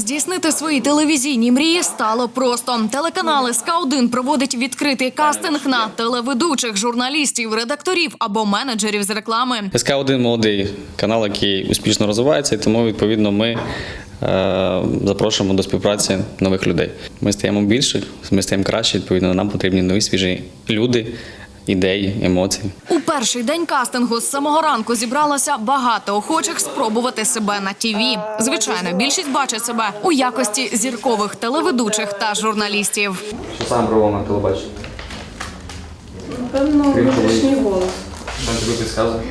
Здійснити свої телевізійні мрії стало просто. Телеканал СК1 проводить відкритий кастинг на телеведучих, журналістів, редакторів або менеджерів з реклами. СК1 – молодий канал, який успішно розвивається, і тому, відповідно, ми запрошуємо до співпраці нових людей. Ми стаємо більше, ми стаємо краще, відповідно, нам потрібні нові, свіжі люди, ідеї, емоції. У перший день кастингу з самого ранку зібралося багато охочих спробувати себе на ТІВІ. Звичайно, більшість бачить себе у якості зіркових телеведучих та журналістів. Що саме пробував на телебаченні? Напевно, внутрішній голос. Що тобі підказує?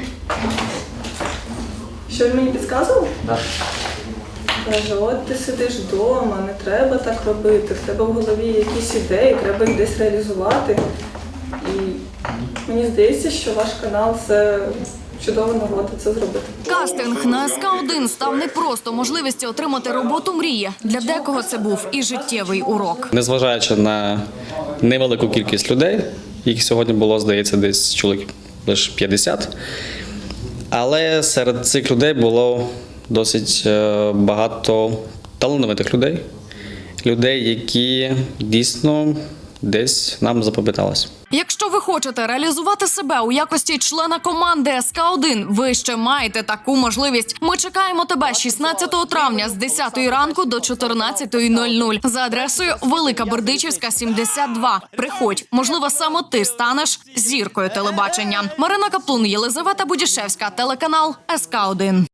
Що він мені підказував? Так. Каже, от ти сидиш вдома, не треба так робити, в тебе в голові якісь ідеї, треба їх десь реалізувати. І мені здається, що ваш канал – це чудова нагода це зробити. Кастинг на СК1 став не просто можливістю отримати роботу мрії. Для декого це був і життєвий урок. Незважаючи на невелику кількість людей, їх сьогодні було, здається, десь чоловік лише 50, але серед цих людей було досить багато талановитих людей, людей, які дійсно десь нам запам'яталися. Якщо ви хочете реалізувати себе у якості члена команди СК1, ви ще маєте таку можливість. Ми чекаємо тебе 16 травня з 10 ранку до 14:00 за адресою Велика Бердичівська, 72. Приходь, можливо, саме ти станеш зіркою телебачення. Марина Каплун, Єлизавета Будішевська, телеканал СК1.